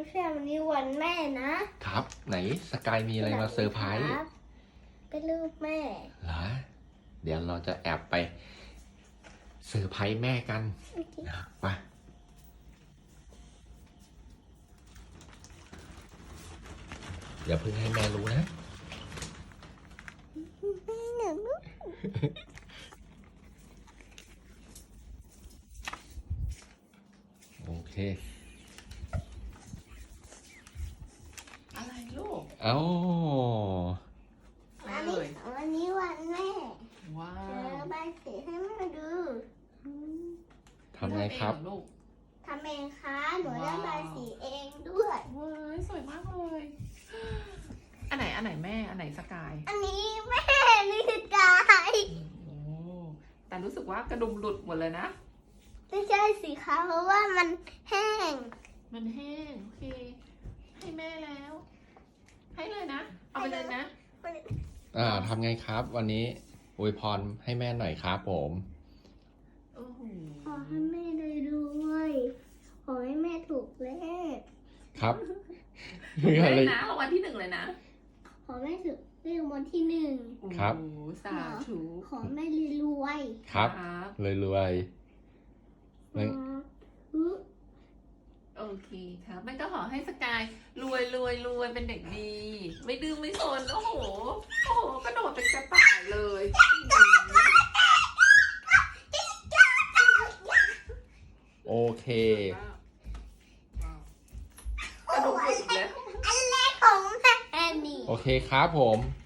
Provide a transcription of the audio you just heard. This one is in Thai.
ไม่ใช่วันนี้วันแม่นะครับไหนสกายมีอะไรมาเซอร์ไพรส์เป็นรูปแม่เหรอเดี๋ยวเราจะแอบไปเซอร์ไพรส์แม่กันนะไปอย่าเพิ่งให้แม่รู้นะแม่หนูลูกโอเคอะไรลูกเอ้าอะไรเลยวันนี้วันแม่ว้าเออวใบสีให้แม่ดูทำไงครับเลือกเองเหอลูกทำเองค่ะหนูเลือกว้าวใบสีเองด้วยเว้ยสวยมากเลย อันไหนแม่อันไหนสกายอันนี้แม่นี่คือกายโอ้แต่รู้สึกว่ากระดุมหลุดหมดเลยนะไม่ใช่สิคะเพราะว่ามันแห้งมันแห้งโอเค ให้แม่แล้ว ให้เลยนะ เอาไปเลยนะทำไงครับ วันนี้อวยพรให้แม่หน่อยครับผมโอ้โหขอให้แม่ได้ด้วยขอให้แม่ถูกเลขครับเลอะไรยนะรางวัลที่ 1เลยนะขอแม่ถูกเลขวันที่หนึ่งครับโอ้โหสาธุขอแม่รวยครับครับรวยๆไม่โอเคครับแม่ก็ขอให้สกายรวยเป็นเด็กดี ไม่ดื้อไม่ซนโอ้โหกระโดดเป็นกระต่ายเลยโอเคกระโดดอีกแล้วอันแรกของแม่นี่โอเคครับผม